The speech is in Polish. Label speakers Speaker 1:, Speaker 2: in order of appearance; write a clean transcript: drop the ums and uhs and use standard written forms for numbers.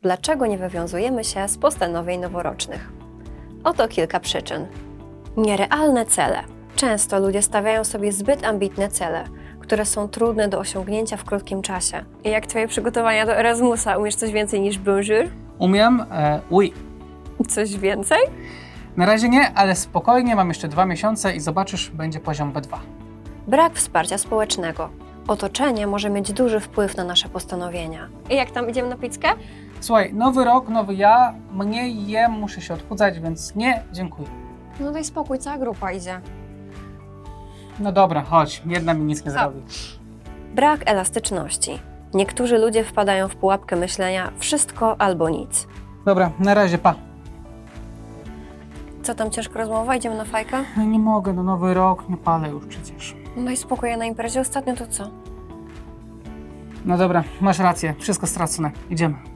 Speaker 1: Dlaczego nie wywiązujemy się z postanowień noworocznych? Oto kilka przyczyn. Nierealne cele. Często ludzie stawiają sobie zbyt ambitne cele, które są trudne do osiągnięcia w krótkim czasie. I jak twoje przygotowania do Erasmusa, umiesz coś więcej niż bonjour?
Speaker 2: Umiem, oui.
Speaker 1: Coś więcej?
Speaker 2: Na razie nie, ale spokojnie, mam jeszcze 2 miesiące i zobaczysz, będzie poziom B2.
Speaker 1: Brak wsparcia społecznego. Otoczenie może mieć duży wpływ na nasze postanowienia. I jak tam, idziemy na pizzkę?
Speaker 2: Słuchaj, nowy rok, nowy ja, mniej jem, muszę się odchudzać, więc nie, dziękuję.
Speaker 1: No daj spokój, cała grupa idzie.
Speaker 2: No dobra, chodź, jedna mi nic nie zrobi.
Speaker 1: Brak elastyczności. Niektórzy ludzie wpadają w pułapkę myślenia wszystko albo nic.
Speaker 2: Dobra, na razie, pa.
Speaker 1: Co tam, ciężka rozmowa? Idziemy na fajkę?
Speaker 2: No nie mogę, no nowy rok, nie palę już przecież.
Speaker 1: No daj spokój, ja na imprezie ostatnio to co?
Speaker 2: No dobra, masz rację, wszystko stracone, idziemy.